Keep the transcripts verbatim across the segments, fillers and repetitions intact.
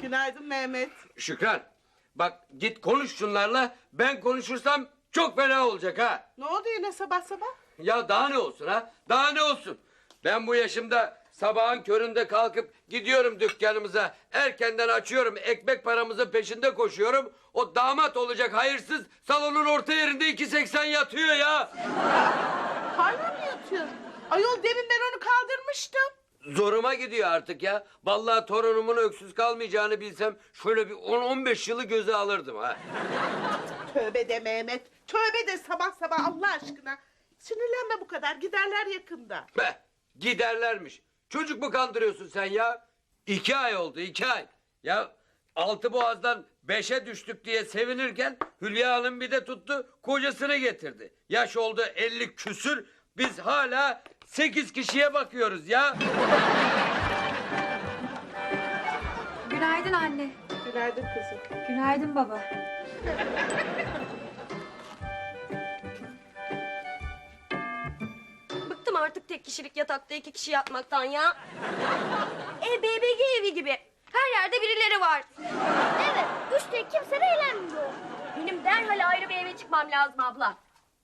Günaydın Mehmet. Şükran, bak git konuş şunlarla. Ben konuşursam çok fena olacak ha. Ne oldu yine sabah sabah? Ya daha ne olsun ha? Daha ne olsun? Ben bu yaşımda sabahın köründe kalkıp gidiyorum dükkanımıza. Erkenden açıyorum, ekmek paramızın peşinde koşuyorum. O damat olacak hayırsız salonun orta yerinde iki seksen yatıyor ya. Hala mı yatıyor? Ayol demin ben onu kaldırmıştım. Zoruma gidiyor artık ya. Vallahi torunumun öksüz kalmayacağını bilsem şöyle bir on on beş yılı göze alırdım ha. Tövbe de Mehmet. Tövbe de sabah sabah Allah aşkına. Sinirlenme bu kadar. Giderler yakında. Be, giderlermiş. Çocuk mu kandırıyorsun sen ya? İki ay oldu, iki ay. Ya altı boğazdan beşe düştük diye sevinirken Hülya Hanım bir de tuttu kocasını getirdi. Yaş oldu elli küsür. Biz hala sekiz kişiye bakıyoruz ya. Günaydın anne. Günaydın kızım. Günaydın baba. Bıktım artık tek kişilik yatakta iki kişi yatmaktan ya. E B B G evi gibi. Her yerde birileri var. Evet, üstelik kimse de eğlenmiyor. Benim derhal ayrı bir eve çıkmam lazım abla.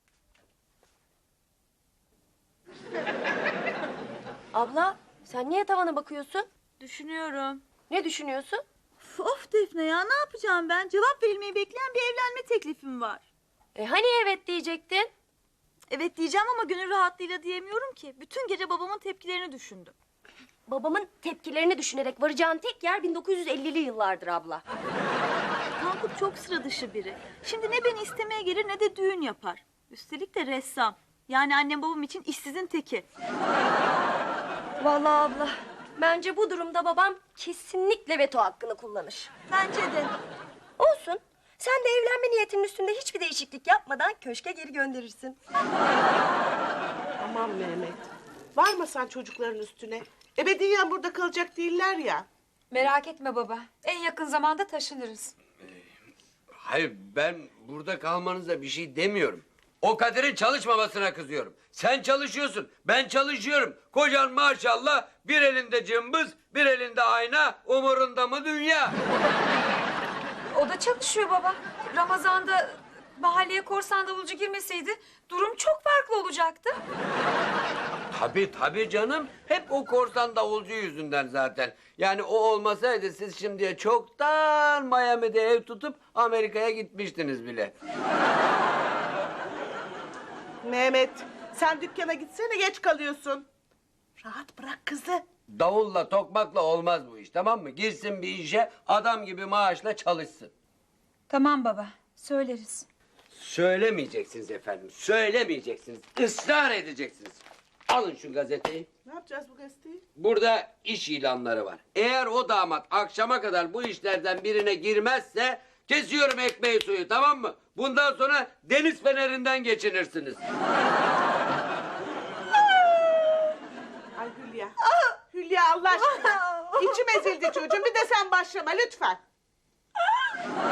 Abla, sen niye tavana bakıyorsun? Düşünüyorum. Ne düşünüyorsun? Of, of Defne ya, ne yapacağım ben? Cevap verilmeyi bekleyen bir evlenme teklifim var. E hani evet diyecektin? Evet diyeceğim ama gönül rahatlığıyla diyemiyorum ki. Bütün gece babamın tepkilerini düşündüm. Babamın tepkilerini düşünerek varacağın tek yer bin dokuz yüz ellili yıllardır abla. Tankut çok sıra dışı biri. Şimdi ne beni istemeye gelir ne de düğün yapar. Üstelik de ressam. Yani annem babam için işsizin teki. Vallahi abla, bence bu durumda babam kesinlikle veto hakkını kullanır. Bence de. Olsun. Sen de evlenme niyetinin üstünde hiçbir değişiklik yapmadan köşke geri gönderirsin. Aman Mehmet. Varma sen çocukların üstüne. Ebediyen burada kalacak değiller ya. Merak etme baba. En yakın zamanda taşınırız. Hayır, ben burada kalmanıza bir şey demiyorum. O Kadir'in çalışmamasına kızıyorum. Sen çalışıyorsun, ben çalışıyorum. Kocan maşallah bir elinde cımbız, bir elinde ayna, umurunda mı dünya? O da çalışıyor baba. Ramazan'da mahalleye korsan davulcu girmeseydi durum çok farklı olacaktı. Tabii tabii canım. Hep o korsan davulcu yüzünden zaten. Yani o olmasaydı siz şimdiye çoktan Miami'de ev tutup Amerika'ya gitmiştiniz bile. Mehmet sen dükkana gitsene geç kalıyorsun. Rahat bırak kızı. Davulla tokmakla olmaz bu iş, tamam mı? Girsin bir işe adam gibi maaşla çalışsın. Tamam baba. Söyleriz. Söylemeyeceksiniz efendim, söylemeyeceksiniz. Israr edeceksiniz. Alın şu gazeteyi. Ne yapacağız bu gazeteyi? Burada iş ilanları var. Eğer o damat akşama kadar bu işlerden birine girmezse kesiyorum ekmeği suyu, tamam mı? Bundan sonra deniz fenerinden geçinirsiniz. Ay Hülya. Hülya Allah aşkına. İçim ezildi çocuğum. Bir de sen başlama lütfen.